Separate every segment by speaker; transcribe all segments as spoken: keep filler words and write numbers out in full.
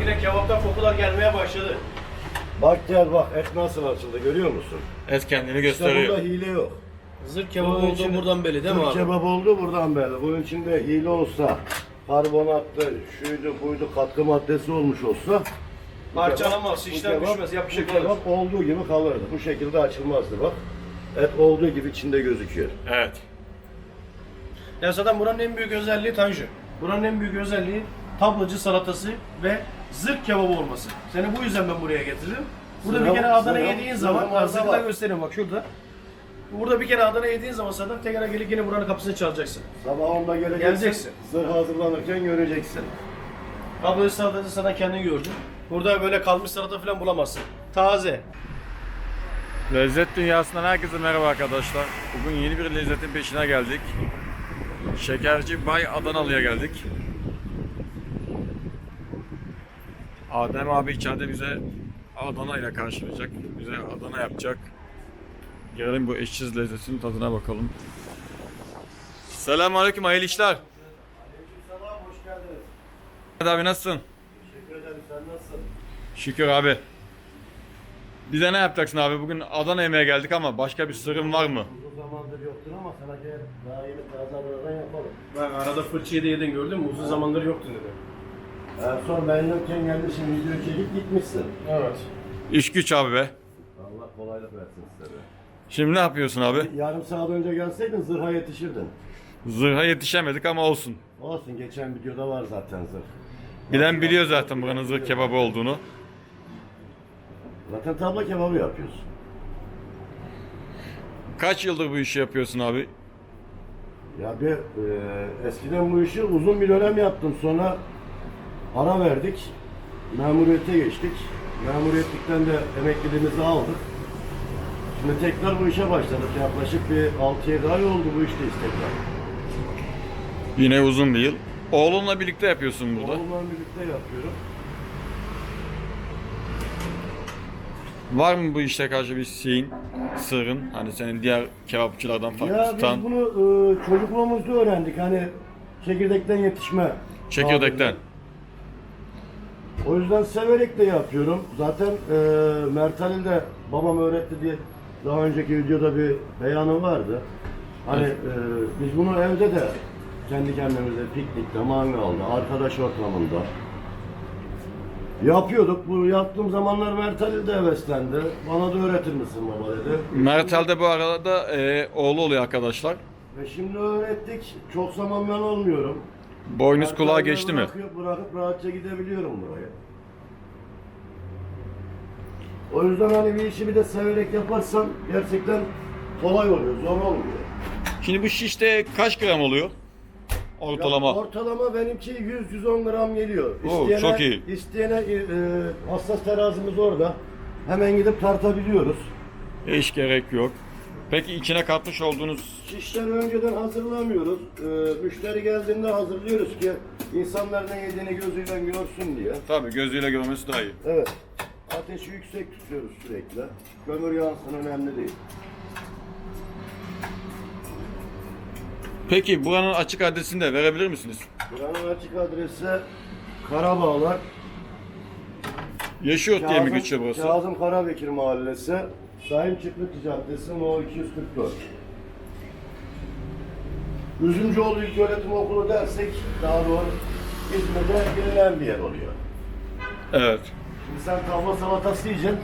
Speaker 1: bile kebaptan kokular gelmeye başladı.
Speaker 2: Bak gel bak, et nasıl açıldı görüyor musun?
Speaker 3: Et kendini
Speaker 2: İşte
Speaker 3: gösteriyor.
Speaker 2: burada hile yok.
Speaker 1: Zırh kebap
Speaker 2: Bunun
Speaker 1: oldu
Speaker 2: içinde-
Speaker 1: buradan belli değil mi
Speaker 2: Zırh
Speaker 1: abi?
Speaker 2: kebap oldu buradan belli. Bunun içinde hile olsa, karbonattı, şuydu buydu, katkı maddesi olmuş olsa
Speaker 1: Parçalamaz,
Speaker 2: bu
Speaker 1: şişten
Speaker 2: kebap-
Speaker 1: düşmez, yapışık
Speaker 2: bu
Speaker 1: kalır.
Speaker 2: kebap olduğu gibi kalırdı. Bu şekilde açılmazdı bak. Et olduğu gibi içinde gözüküyor.
Speaker 3: Evet.
Speaker 1: Ya zaten buranın en büyük özelliği Tanju. Buranın en büyük özelliği tablacı salatası ve zırh kebabı olması. Seni bu yüzden ben buraya getirdim. Burada
Speaker 2: Sıra-
Speaker 1: bir kere Adana
Speaker 2: sıra-
Speaker 1: yediğin
Speaker 2: sıra
Speaker 1: zaman,
Speaker 2: varsa
Speaker 1: zırhlar
Speaker 2: var.
Speaker 1: göstereyim bak şurada. Burada bir kere Adana yediğin zaman zaten tekrar gelip yine buranın kapısını çalacaksın.
Speaker 2: Sabah onda geleceksin,
Speaker 1: Geleceksin.
Speaker 2: zırh hazırlanırken göreceksin.
Speaker 1: Tablacı salatası zaten kendin gördün. Burada böyle kalmış salata falan bulamazsın. Taze.
Speaker 3: Lezzet dünyasından herkese merhaba arkadaşlar. Bugün yeni bir lezzetin peşine geldik. Şekerci Bay Adanalı'ya geldik. Adem abi içeride bize Adana ile karşılayacak. Bize Adana yapacak. Gelelim bu eşsiz lezzetin tadına bakalım. Selamünaleyküm, hayırlı işler.
Speaker 2: Selam, hoş geldiniz.
Speaker 3: Ahmet abi nasılsın?
Speaker 2: Teşekkür ederim, sen nasılsın?
Speaker 3: Şükür abi. Bize ne yapacaksın abi? Bugün Adana yemeğe geldik ama başka bir sırrın var mı?
Speaker 2: Uzun zamandır yoktur ama sana gel daha yeni taze Adana'dan yapalım.
Speaker 1: Bak arada fırçayı da yedin gördün mü? Uzun zamandır yoktu dedi.
Speaker 2: En son ben yokken geldin, şimdi video çekip gitmişsin.
Speaker 1: Evet.
Speaker 3: İş güç abi be.
Speaker 2: Allah kolaylık versin size de.
Speaker 3: Şimdi ne yapıyorsun abi?
Speaker 2: Yarım saat önce gelseydin zırha yetişirdin.
Speaker 3: Zırha yetişemedik ama olsun.
Speaker 2: Olsun, geçen videoda var zaten zırh.
Speaker 3: Bilen biliyor zaten buranın zırh kebabı olduğunu.
Speaker 2: Zaten tabla kebabı yapıyorsun.
Speaker 3: Kaç yıldır bu işi yapıyorsun abi?
Speaker 2: Ya bir e, eskiden bu işi uzun bir dönem yaptım. Sonra ara verdik. Memuriyete geçtik. Memuriyetlikten de emekliliğimizi aldık. Şimdi tekrar bu işe başladık. Yaklaşık bir altı yedi ay oldu bu işteyiz tekrar.
Speaker 3: Yine uzun bir yıl. Oğlunla birlikte yapıyorsun burada.
Speaker 2: Oğlumla birlikte yapıyorum.
Speaker 3: Var mı bu işte karşı bir şeyin, sırrın? Hani senin diğer kebapçılardan farklı
Speaker 2: Ya biz
Speaker 3: tutan
Speaker 2: bunu e, çocukluğumuzda öğrendik. Hani çekirdekten yetişme.
Speaker 3: çekirdekten.
Speaker 2: O yüzden severek de yapıyorum. Zaten e, Mert Halil de babam öğretti diye daha önceki videoda bir beyanım vardı. Hani
Speaker 3: Evet.
Speaker 2: e, biz bunu evde de kendi kendimize piknikte, mangalda, arkadaş ortamında yapıyorduk. Bu yaptığım zamanlar Mert Halil de heveslendi. Bana da öğretir misin baba dedi.
Speaker 3: Mertel'de bu arada e, oğlu oluyor arkadaşlar.
Speaker 2: Ve şimdi öğrettik. Çok zaman ben olmuyorum.
Speaker 3: Boynuz
Speaker 2: Mert
Speaker 3: kulağa
Speaker 2: Halil'e
Speaker 3: geçti mi?
Speaker 2: bırakıyor- Bırakıp rahatça gidebiliyorum buraya. O yüzden hani bir işi bir de severek yaparsan gerçekten kolay oluyor, zor olmuyor.
Speaker 3: Şimdi bu şişte kaç gram oluyor? Ortalama.
Speaker 2: Ya ortalama benimki yüz yüz on gram geliyor.
Speaker 3: Oo, çok iyi.
Speaker 2: İsteyene e, hassas terazimiz orada. Hemen gidip tartabiliyoruz.
Speaker 3: Hiç gerek yok. Peki içine katmış olduğunuz
Speaker 2: Şişleri önceden hazırlamıyoruz. E, müşteri geldiğinde hazırlıyoruz ki insanlar ne yediğini gözüyle görsün diye.
Speaker 3: tabii gözüyle görmesi daha iyi.
Speaker 2: Evet. Ateşi yüksek tutuyoruz sürekli. Kömür yansın önemli değil.
Speaker 3: Peki buranın açık adresini de verebilir misiniz?
Speaker 2: Buranın açık adresi Karabağlar.
Speaker 3: Yaşıyor diye mi geçiyor burası?
Speaker 2: Kazım Karabekir Mahallesi. Sayın Çıklık Caddesi No iki yüz kırk dört. Üzümcüoğlu İlköğretim Okulu dersek daha doğru İzmir'de bilinen bir yer oluyor.
Speaker 3: Evet.
Speaker 2: Şimdi sen tavla salatası yiyeceksin.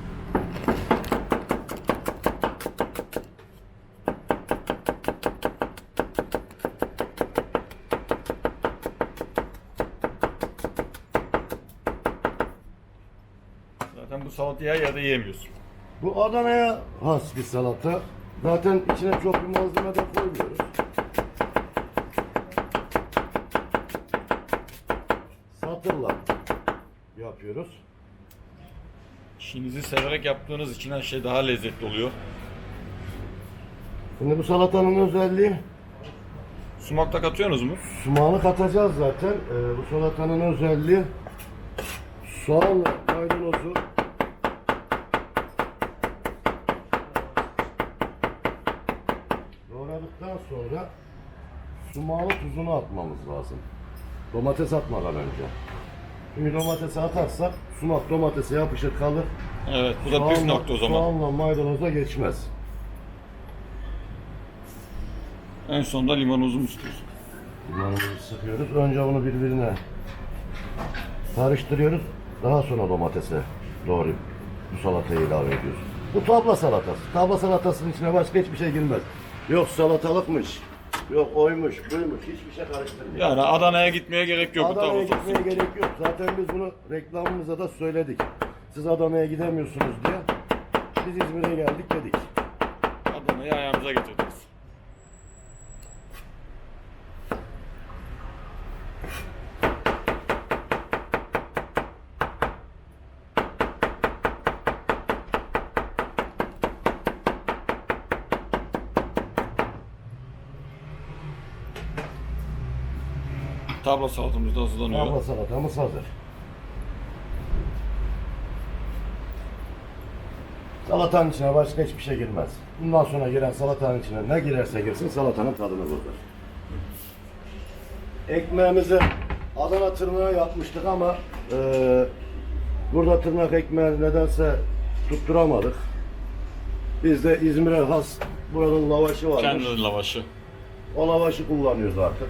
Speaker 3: Zaten bu salatayı her yerde yiyemiyorsun.
Speaker 2: Bu Adana'ya has bir salata. Zaten içine çok bir malzeme de koymuyoruz. Satırla yapıyoruz.
Speaker 3: İşinizi severek yaptığınız için her şey daha lezzetli oluyor.
Speaker 2: Şimdi bu salatanın özelliği
Speaker 3: Sumak da katıyorsunuz mu?
Speaker 2: sumağını katacağız zaten. Ee, bu salatanın özelliği soğanla maydanozu doğradıktan sonra sumağını tuzunu atmamız lazım. Domates atmadan önce. Şimdi domatesi atarsak sumak domatese yapışır kalır.
Speaker 3: Evet, bu da püf
Speaker 2: Soğanla-
Speaker 3: nokta o zaman.
Speaker 2: Soğanla maydanoza geçmez.
Speaker 3: En sonunda limonumuzu mu istiyorsun?
Speaker 2: Limonumuzu sıkıyoruz. Önce bunu birbirine karıştırıyoruz. Daha sonra domatese doğru bu salatayı ilave ediyoruz. Bu tabla salatası. Tabla salatasının içine başka hiçbir şey girmez. Yok salatalıkmış, yok oymuş, buymuş, hiçbir şey karıştırmıyor.
Speaker 3: Yani Adana'ya gitmeye gerek yok. bu
Speaker 2: Adana'ya
Speaker 3: tavuk
Speaker 2: gitmeye gerek yok. Zaten biz bunu reklamımıza da söyledik. Siz Adana'ya gidemiyorsunuz diye. Biz İzmir'e geldik dedik.
Speaker 3: Adana'yı ayağımıza getirdiniz. Tabla salatamız da hazırlanıyor.
Speaker 2: Tabla salatamız hazır. Salatanın içine başka hiçbir şey girmez. Bundan sonra giren salatanın içine ne girerse girsin salatanın tadını bozar. Ekmeğimizi Adana tırnağı yapmıştık ama e, burada tırnak ekmeği nedense tutturamadık. Biz de İzmir'e has buranın lavaşı varmış.
Speaker 3: Kendi lavaşı.
Speaker 2: O lavaşı kullanıyoruz artık.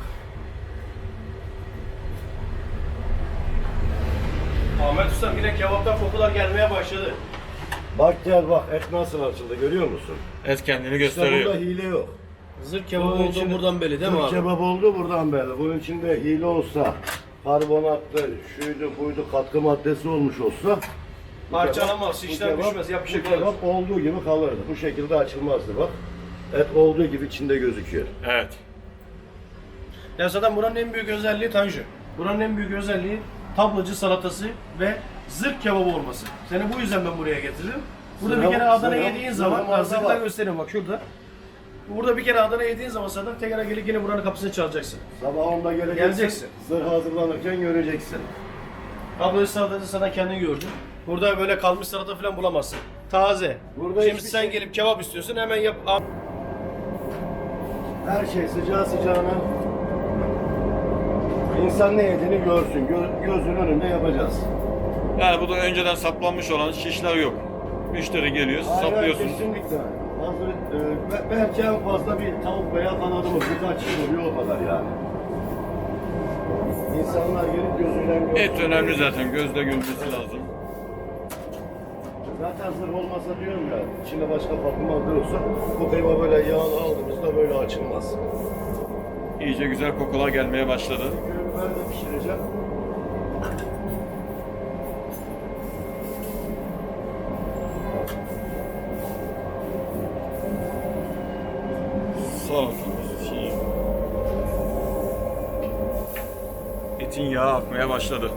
Speaker 1: Ahmet Usta yine kebaptan kokular gelmeye başladı.
Speaker 2: Bak gel bak et nasıl açıldı görüyor musun?
Speaker 3: Et kendini
Speaker 2: İşte
Speaker 3: gösteriyor.
Speaker 2: burada hile yok.
Speaker 1: Zırh kebabı
Speaker 2: Bunun
Speaker 1: olduğu
Speaker 2: içinde-
Speaker 1: buradan belli değil mi
Speaker 2: Türk
Speaker 1: abi?
Speaker 2: kebap oldu buradan belli. Bunun içinde hile olsa, karbonatlı, şuydu buydu katkı maddesi olmuş olsa bu
Speaker 1: Parçalamaz,
Speaker 2: kebap- bu
Speaker 1: şişler
Speaker 2: kebap-
Speaker 1: düşmez, yapışık
Speaker 2: bu
Speaker 1: kalır.
Speaker 2: kebap olduğu gibi kalırdı. Bu şekilde açılmazdı bak. Et olduğu gibi içinde gözüküyor.
Speaker 3: Evet.
Speaker 1: Ya zaten buranın en büyük özelliği tanju. Buranın en büyük özelliği tablacı salatası ve zırh kebabı olması. Seni bu yüzden ben buraya getirdim. Burada
Speaker 2: Zırhım-
Speaker 1: bir kere Adana
Speaker 2: zırhım-
Speaker 1: yediğin
Speaker 2: zırhım
Speaker 1: zaman,
Speaker 2: orada
Speaker 1: zırhla
Speaker 2: var.
Speaker 1: göstereyim bak şurada. Burada bir kere Adana yediğin zaman zaten tekrar gelip yine buranın kapısını çalacaksın.
Speaker 2: Sabah onda geleceksin.
Speaker 1: Geleceksin.
Speaker 2: Zırh hazırlanırken göreceksin.
Speaker 1: Tablacı salatası zaten kendin gördün. Burada böyle kalmış salata falan bulamazsın. Taze.
Speaker 2: Burada
Speaker 1: Şimdi
Speaker 2: hiçbir
Speaker 1: sen
Speaker 2: şey-
Speaker 1: gelip kebap istiyorsun hemen yap.
Speaker 2: Her şey sıcağı sıcağına İnsan ne yediğini görsün. Gö- gözünün önünde yapacağız.
Speaker 3: Yani bu da önceden saplanmış olan şişler yok. Müşteri geliyor, siz
Speaker 2: Aynen,
Speaker 3: saplıyorsunuz.
Speaker 2: kesinlikle. Hazır, e, be- belki en fazla bir tavuk veya kanadımız birkaç kilo oluyor o kadar yani. İnsanlar gelip gözüyle görsün.
Speaker 3: Et önemli zaten, gözle görülmesi lazım.
Speaker 2: Zaten zırh olmasa diyorum ya, içinde başka farklı madde olsa bu kıyma böyle yağını aldığımızda böyle açılmaz.
Speaker 3: İyice güzel kokular gelmeye başladı.
Speaker 2: Ben de pişireceğim.
Speaker 3: Salatamız şey. Etin yağı akmaya başladı.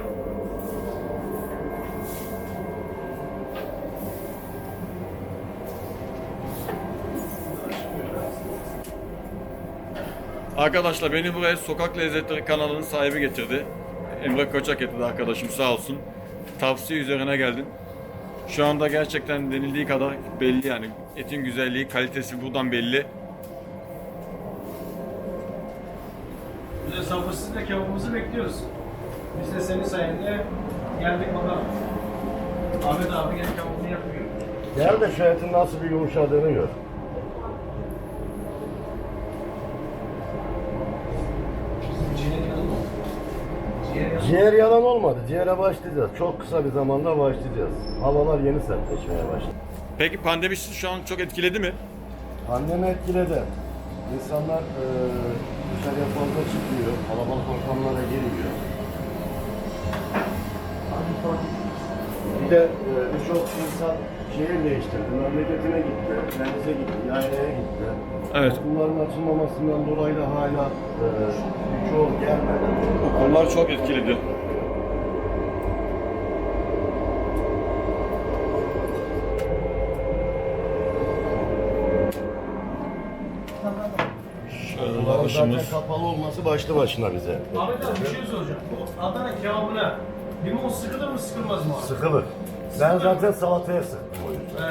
Speaker 3: Arkadaşlar beni buraya Sokak Lezzetleri kanalının sahibi getirdi. Emre Koçak getirdi arkadaşım sağ olsun. Tavsiye üzerine geldim. Şu anda gerçekten denildiği kadar belli yani. Etin güzelliği, kalitesi buradan belli.
Speaker 1: Biz de sabırsızlıkla kebabımızı bekliyoruz. Biz de senin sayende geldik bakalım. Ahmet abi gel kebabını yapıyor.
Speaker 2: Gel de şu etin nasıl bir yumuşadığını gör.
Speaker 1: Ciğer yanı mı? Ciğer yanı.
Speaker 2: Ciğer yalan olmadı. Ciğere başlayacağız. Çok kısa bir zamanda başlayacağız. Havalar yeni sertleşmeye başladı.
Speaker 3: Peki pandemi sizi şu an çok etkiledi mi?
Speaker 2: Pandemi etkiledi. İnsanlar e, dışarıya fazla çıkmıyor. Kalabalık ortamlara girmiyor. Bir de e, birçok insan şehir değiştirdi. Memleketine gitti, denize gitti, yaylaya gitti.
Speaker 3: Evet.
Speaker 2: Okulların açılmamasından dolayı da hala e, birçoğu gelmedi.
Speaker 3: Okullar çok etkiledi. Şöyle
Speaker 2: Okulların
Speaker 3: lavaşımız.
Speaker 2: zaten kapalı olması başlı başına bize.
Speaker 1: Ahmet abi bir şey soracağım. Bu Adana kebabına limon sıkılır mı sıkılmaz mı abi?
Speaker 2: Sıkılır. Ben zaten salataya sıktım o yüzden.
Speaker 1: He.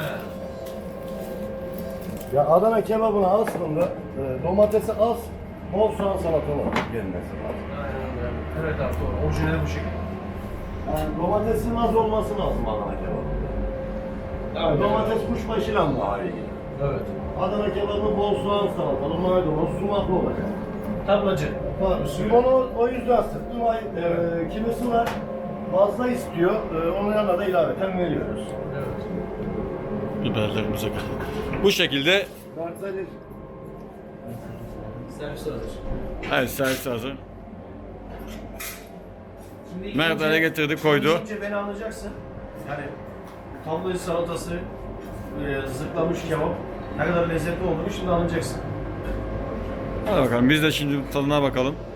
Speaker 2: Ya Adana kebabına aslında e, domatesi az, bol soğan salatalı gelmesi lazım.
Speaker 1: Aynen öyle. Evet abi doğru. Orijinali bu şekilde.
Speaker 2: Yani domatesin az olması lazım Adana kebabında.
Speaker 1: Aynen.
Speaker 2: Domates kuşbaşıyla daha iyi.
Speaker 1: Evet.
Speaker 2: Adana kebabı bol soğan salatalı, maydanoz, sumaklı olacak.
Speaker 1: Tablacı.
Speaker 2: Var. Onu o yüzden sıktım. Ay, e, kimisi var fazla istiyor. E, onun yanına da ilaveten veriyoruz.
Speaker 1: Evet.
Speaker 3: Biberlerimize kaldık. Bu şekilde
Speaker 2: Bertali
Speaker 1: Servis hazır.
Speaker 3: evet, servis hazır.
Speaker 1: Şimdi
Speaker 3: Mert
Speaker 1: ikinci-
Speaker 3: ele getirdi, koydu.
Speaker 1: ikinci beni anlayacaksın. Yani tablacı salatası, e, zırtlamış kebap ne kadar lezzetli olduğunu şimdi anlayacaksın.
Speaker 3: Hadi bakalım biz de şimdi tadına bakalım.